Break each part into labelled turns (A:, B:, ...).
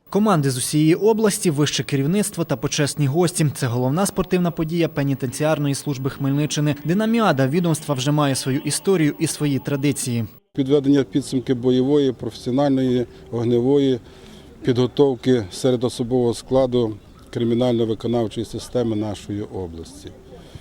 A: Команди з усієї області, вище керівництво та почесні гості – це головна спортивна подія пенітенціарної служби Хмельниччини. Динаміада відомства вже має свою історію і свої традиції.
B: Підведення підсумки бойової, професіональної, вогневої підготовки серед особового складу кримінально-виконавчої системи нашої області.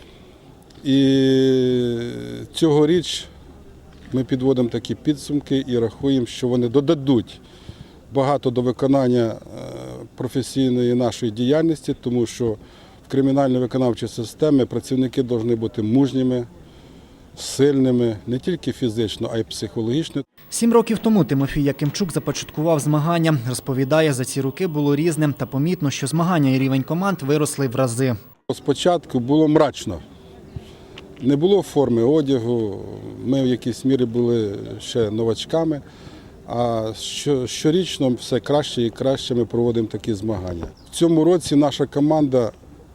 B: І цьогоріч ми підводимо такі підсумки і рахуємо, що вони додадуть багато до виконання професійної нашої діяльності, тому що в кримінально-виконавчій системі працівники повинні бути мужніми, сильними, не тільки фізично, а й психологічно.
A: 7 років тому Тимофій Якимчук започаткував змагання. Розповідає, за ці роки було різним та помітно, що змагання і рівень команд виросли в рази. Спочатку
B: було мрачно. Не було форми одягу, ми в якійсь мірі були ще новачками, а щорічно все краще і краще ми проводимо такі змагання. В цьому році наша команда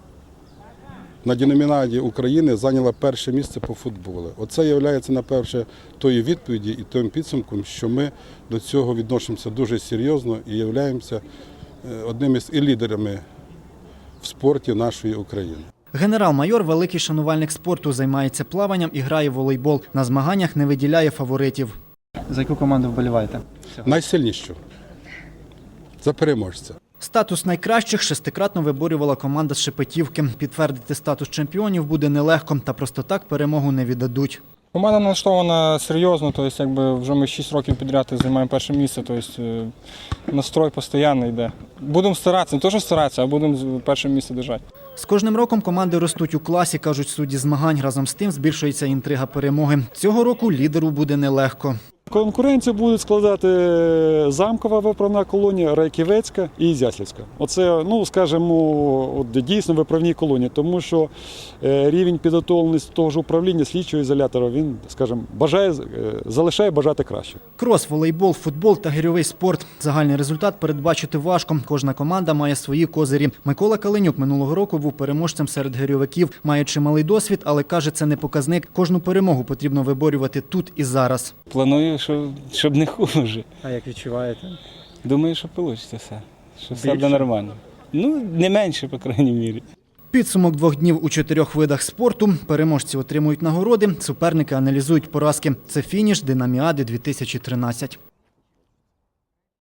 B: на Динаміаді України зайняла перше місце по футболу. Оце є, найперше, тою відповіді і тим підсумком, що ми до цього відносимося дуже серйозно і являємося одним із лідерами в спорті нашої України.
A: Генерал-майор – великий шанувальник спорту, займається плаванням і грає в волейбол. На змаганнях не виділяє фаворитів. За яку команду вболіваєте?
B: Найсильнішу. За переможця.
A: Статус найкращих шестикратно виборювала команда з Шепетівки. Підтвердити статус чемпіонів буде нелегко, та просто так перемогу не віддадуть.
C: Команда налаштована серйозно, вже ми 6 років підряд займаємо перше місце, настрой постійно йде. Будемо старатися, не то що старатися, а будемо перше місце держати.
A: З кожним роком команди ростуть у класі, кажуть судді змагань. Разом з тим збільшується інтрига перемоги. Цього року лідеру буде нелегко.
D: Конкуренцію будуть складати Замкова виправна колонія, Райківецька і Ізяслівська. Оце, скажімо, дійсно виправні колонії, тому що рівень підготовленості того ж управління слідчого ізолятора, він, скажімо, залишає бажати краще.
A: Крос, волейбол, футбол та гирьовий спорт. Загальний результат передбачити важко. Кожна команда має свої козирі. Микола Каленюк минулого року був переможцем серед гирьовиків. Має чималий досвід, але каже, це не показник. Кожну перемогу потрібно виборювати тут і зараз.
C: Планую, щоб не хуже.
A: А як відчуваєте?
C: Думаю, що вийде все. Що все буде нормально. Не менше, по крайній мірі.
A: Підсумок 2 днів у 4 видах спорту. Переможці отримують нагороди, суперники аналізують поразки. Це фініш Динаміади 2013.